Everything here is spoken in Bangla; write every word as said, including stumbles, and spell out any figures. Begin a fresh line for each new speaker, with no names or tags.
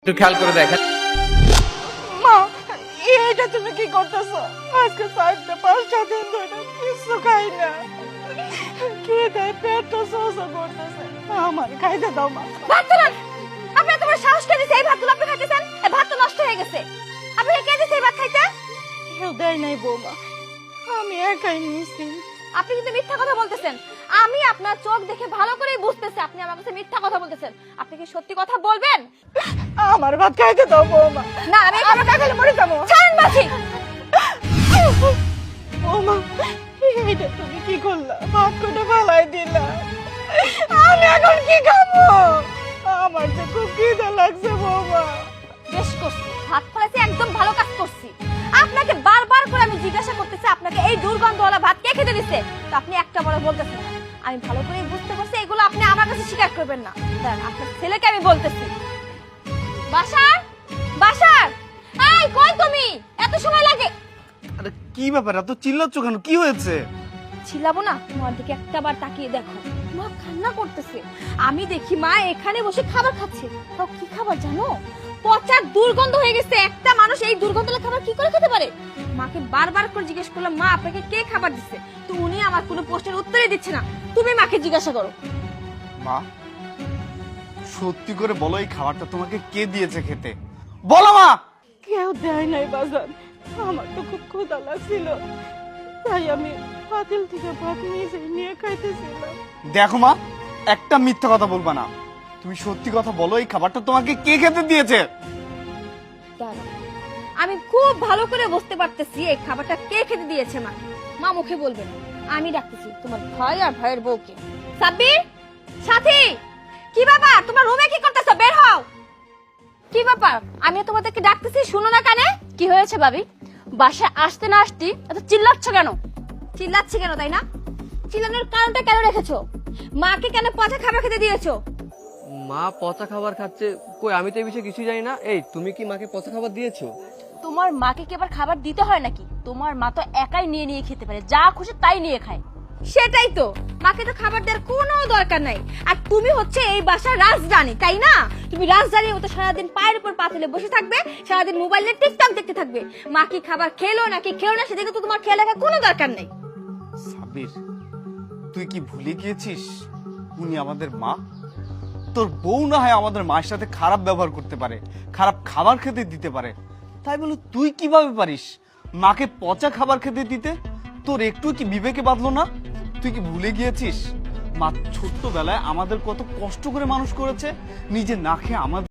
একটু খেয়াল করে দেখেন।
মা, এটা তুমি কি করতেছো? আজকে চারটা পাঁচটা দিন ধরে কিছু খাই না, খেয়ে পেটটা সোসা করতেছে। আমার খাইতে দাও মা।
ভাত তুলুন। আপনি তোমার সাহস কে দিছে এই ভাত তুলে আপনি খাইতেছেন? এই ভাত তো নষ্ট হয়ে গেছে। আপনি কে দিছে এই ভাত খাইতে?
কেউ দেয় নাই বৌমা, আমি একাই নিয়েছি।
আপনি কিন্তু মিথ্যা কথা বলতেছেন। আমি আপনার চোখ দেখে ভালো করেই বুঝতেছি আপনি আমার কাছে মিথ্যা কথা বলতেছেন। আপনি কি সত্যি কথা বলবেন?
আমার ভাত খাইতে দাও বৌমা।
না, আমি আমার কাছে মরে যাবো। ছাড়েন মাছি।
বৌমা, এটা তুমি কি করলা? ভাত কোটা ফালাই দিলা, আমি এখন কি খাবো? আমার যে খুব খিদে লাগছে বৌমা।
বেশ করছি, ভাত ফলাইছি, একদম ভালো কাজ করছি। আপনাকে বারবার করে আমি জিজ্ঞাসা করতেছি আপনাকে এই দুর্গন্ধওয়ালা ভাত কে খেতে দিছে, তো আপনি একটা বড় বলতেছেন না। আমি ভালো করে বুঝতে পারছি এগুলো আপনি আমার কাছে স্বীকার করবেন না। দাঁড়ান, আপনার ছেলেকে আমি বলতেছি। বাসার বাসার এই কই তুমি? এত সময় লাগে?
আরে কি ব্যাপার, এত চিল্লাচ্ছ কেন? কি হয়েছে?
ছিলাবো না, তোমার দিকে একটা বার তাকিয়ে দেখো। মা কান্না করতেছে। আমি দেখি মা এখানে বসে খাবার খাচ্ছে। তাও কি খাবার জানো? পচা দুর্গন্ধ হয়ে গেছে। একটা মানুষ এই দুর্গন্ধের খাবার কি করে খেতে পারে? মাকে বারবার করে জিজ্ঞেস করলাম, মা আপনাকে কে খাবার দিচ্ছে? তো উনি আমার কোনো প্রশ্নের উত্তরই দিচ্ছে না। তুমি মাকে জিজ্ঞাসা করো।
মা, সত্যি করে বলো, এই খাবারটা তোমাকে কে দিয়েছে খেতে? বলো মা।
কেউ দেয় নাই বাজান, আমার তো খুব ক্ষুধা লাগছিল, তাই আমি পাতিল থেকে ভাত নিয়ে নিয়ে খাইতেছিলাম।
দেখো মা, একটা মিথ্যা কথা বলবা না। তুমি সত্যি কথা বলো, এই খাবারটা তোমাকে কে খেতে দিয়েছে?
দাঁড়াও, আমি খুব ভালো করে বুঝতে পারতেছি এই খাবারটা কে খেতে দিয়েছে মা। মা মুখে বলবে না, আমি ডাকতেছি তোমার ভাই আর ভাইয়ের বউকে। সাব্বির, সাথী, কি ব্যাপার? তোমার রুমে কি করতেছো? বের হও। কি ব্যাপার? আমি তোমাদেরকে ডাকতেছি, শুনো না কানে? কি হয়েছে ভাবি? বাসায় আসতে না আসতে এত চিল্লাচ্ছ কেন? চিল্লাচ্ছি কেন তাই না? চিল্লানোর কারণটা কেন রেখেছো? মাকে কেন পচা খাবার খেতে দিয়েছো?
মা পচা খাবার খাচ্ছে? কই, আমি তো এই বিষয়ে কিছুই জানি না। এই তুমি কি মাকে পচা খাবার দিয়েছো?
তোমার মাকে কি আবার খাবার দিতে হয় নাকি? তোমার মা তো একাই নিয়ে নিয়ে খেতে পারে, যা খুশি তাই নিয়ে খায়। সেটাই তো, মাকে তো খাবার দেওয়ার কোনো দরকার নাই। আর তুমি হচ্ছে এই বাসার রাজরানী, তাই না? তুমি রাজরানীর মতো সারাদিন পায়ের উপর পাতলে বসে থাকবে, সারাদিন মোবাইলে টিকটক দেখতে থাকবে। মা কি খাবার খেলো নাকি খেলো না সেদিকে তো তোমার খেয়াল রাখার কোনো দরকার নেই।
সাবির, তুই কি ভুলে গিয়েছিস উনি আমাদের মা? তোর বউ না হয় আমাদের মায়ের সাথে খারাপ ব্যবহার করতে পারে, খারাপ খাবার খেতে দিতে পারে, তাই বলে তুই কিভাবে পারিস মাকে পচা খাবার খেতে দিতে? তোর একটু কি বিবেকে বাঁধলো না? তুই কি ভুলে গিয়েছিস মা ছোট্টবেলায় আমাদের কত কষ্ট করে মানুষ করেছে, নিজে না খেয়ে আমাদের